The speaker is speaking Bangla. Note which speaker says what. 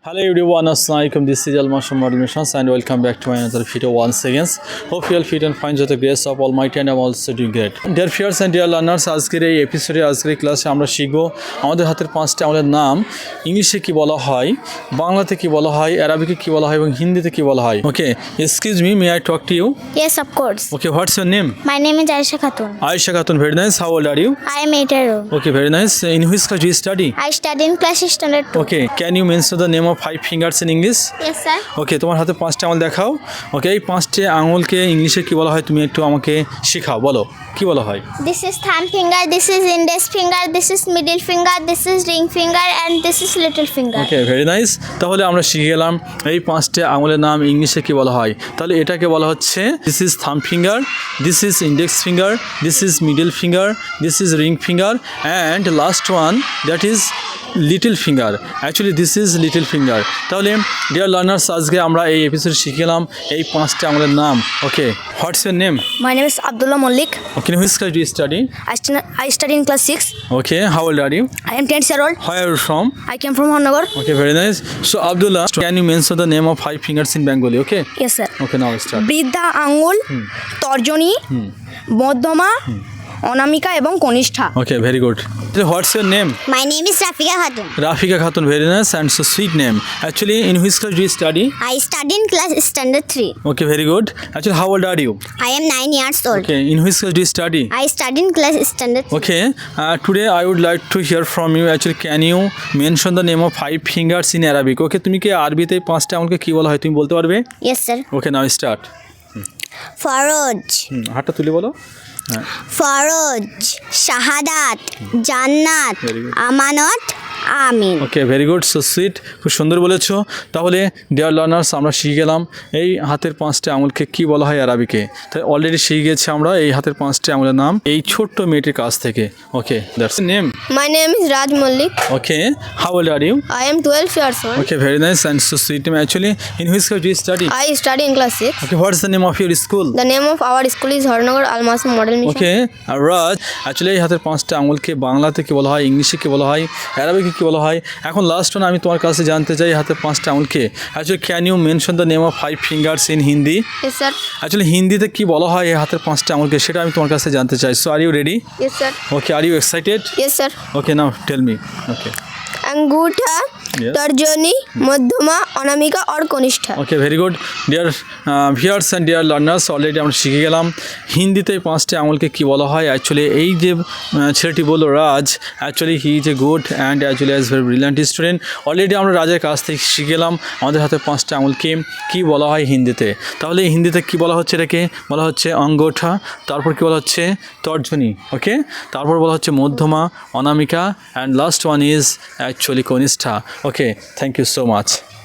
Speaker 1: Hello everyone, Assalamualaikum. This is Almasham Model Missions and welcome back to my another video once again. Hope you all fit and fine with the grace of Almighty and I'm also doing great. Dear viewers and dear learners, আজকের এই এপিসোডে আজকের ক্লাসে আমরা শিখব আমাদের হাতের পাঁচটি আমলের নাম ইংলিশে কি বলা হয়, বাংলাতে কি বলা হয়, আরবিতে কি বলা হয় এবং হিন্দিতে কি বলা হয়. Okay, excuse me, may I talk to you?
Speaker 2: Yes, of course.
Speaker 1: Okay, what's your name?
Speaker 2: My name is Aisha Khatun.
Speaker 1: Aisha Khatun, very nice. How old are you?
Speaker 2: I am 8 years old.
Speaker 1: Okay, very nice. In which class do you study?
Speaker 2: I study in class standard 2.
Speaker 1: Okay, can you mention the name of 5 fingers in English?
Speaker 2: Yes, sir.
Speaker 1: ওকে, তোমার হাতে পাঁচটা আঙুল দেখাও. ওকে, এই পাঁচটি আঙুলকে ইংলিশে কি বলা হয় তুমি একটু আমাকে শেখাও, বলো কি বলা হয়?
Speaker 2: This is thumb finger, this is index finger, this is middle finger, this is ring finger and this is little finger.
Speaker 1: Okay, very nice. তাহলে আমরা শিখে গেলাম এই পাঁচটি আঙুলের নাম ইংলিশে কি বলা হয়. তাহলে এটাকে বলা হচ্ছে this is thumb finger, this is index finger, this is middle finger, this is ring finger and last one that is little finger. Actually this is little finger. তাহলে ডিয়ার লার্নার্স, আজকে আমরা এই এপিসোডে শিখে গেলাম এই পাঁচটি আঙুলের নাম. Okay, what's your name?
Speaker 3: My name is Abdullah Malik.
Speaker 1: Okay, in which class do you study?
Speaker 3: I study in class 6.
Speaker 1: Okay, how old are you?
Speaker 3: I am 10 years old.
Speaker 1: Where are you from?
Speaker 3: I came from Honnagar.
Speaker 1: Okay, very nice. So Abdullah, can you mention the name of 5 fingers in Bengali? Okay.
Speaker 3: Yes, sir.
Speaker 1: Okay, now start.
Speaker 3: বৃদ্ধা আঙ্গুল, তর্জনী, মধ্যমা, অনামিকা এবং কনিষ্ঠা।
Speaker 1: Okay, very good. So what's your name?
Speaker 2: My name is Rafika Khatun.
Speaker 1: Rafika Khatun, very nice and so sweet name. Actually, in which class do you study?
Speaker 2: I study in class standard 3.
Speaker 1: Okay, very good. Actually, how old are you?
Speaker 2: I am 9 years old.
Speaker 1: Okay, in which class do you study?
Speaker 2: I study in class standard 3.
Speaker 1: Okay, today I would like to hear from you. Actually, can you mention the name of 5 fingers in Arabic? Okay, তুমি কি আরবিতে পাঁচটা আঙুলকে কি বলা হয় তুমি বলতে পারবে?
Speaker 2: Yes, sir.
Speaker 1: Okay, now start.
Speaker 2: ফরজ,
Speaker 1: হাতটা তুলে বলো.
Speaker 2: ফরজ, শাহাদাত, জান্নাত,
Speaker 1: Very good.
Speaker 2: Amanat, Amin.
Speaker 1: Okay, very good, so sweet, খুব সুন্দর বলেছো. তাহলে ডিয়ার লার্নার্স, আমরা শিখে গেলাম এই হাতের পাঁচটি আঙুলকে কি বলা হয় আরবিকে. তাই অলরেডি শিখে গেছি আমরা এই হাতের পাঁচটি আঙুলের নাম এই ছোট্ট মেয়েটির কাছ থেকে. Okay, that's name.
Speaker 3: My name is Raj Malik.
Speaker 1: Okay, how old are you?
Speaker 3: I am 12 years old.
Speaker 1: Okay, very nice and so sweet name. Actually in which class do you study?
Speaker 3: I study in class 6.
Speaker 1: Okay, what is the name of your school?
Speaker 3: The name of our school is Harnagar Almasim Model Mission.
Speaker 1: Okay, Raj, actually এই হাতের পাঁচটা আঙুলকে বাংলাতে কি বলা হয়, ইংলিশে কি বলা হয়, আরবিকে কি বলা হয়. এখন লাস্ট ওয়ান আমি তোমার কাছে জানতে চাই হাতের পাঁচটা আঙুলকে actually can you mention the name of 5 fingers in Hindi?
Speaker 3: Yes, sir.
Speaker 1: Actually হিন্দিতে কি বলা হয় এই হাতের পাঁচটা আঙুলকে, সেটা আমি তোমার কাছে জানতে চাই. So are you ready?
Speaker 3: Yes, sir.
Speaker 1: Okay, are you excited?
Speaker 3: Yes, sir.
Speaker 1: Okay, now tell me. Okay.
Speaker 3: अंगूठा,
Speaker 1: Yes.
Speaker 3: तर्जनी, मध्यमा, अनामिका और कनिष्ठा।
Speaker 1: Okay, very good. Dear viewers and dear learners, already আমরা শিখে গেলাম হিন্দিতে এই পাঁচটি আঙুলকে কী বলা হয়. অ্যাকচুয়ালি এই যে ছেলেটি বললো Raj, actually he is a good and actually as very brilliant student. Already আমরা রাজের কাছ থেকে শিখে গেলাম আমাদের হাতে পাঁচটা আঙুলকে কী বলা হয় হিন্দিতে. তাহলে হিন্দিতে কী বলা হচ্ছে, এটাকে বলা হচ্ছে অঙ্গোঠা, তারপর কী বলা হচ্ছে তর্জনী. ওকে, তারপর বলা হচ্ছে মধ্যমা, অনামিকা and last one is actually কনিষ্ঠা. Okay, thank you so much.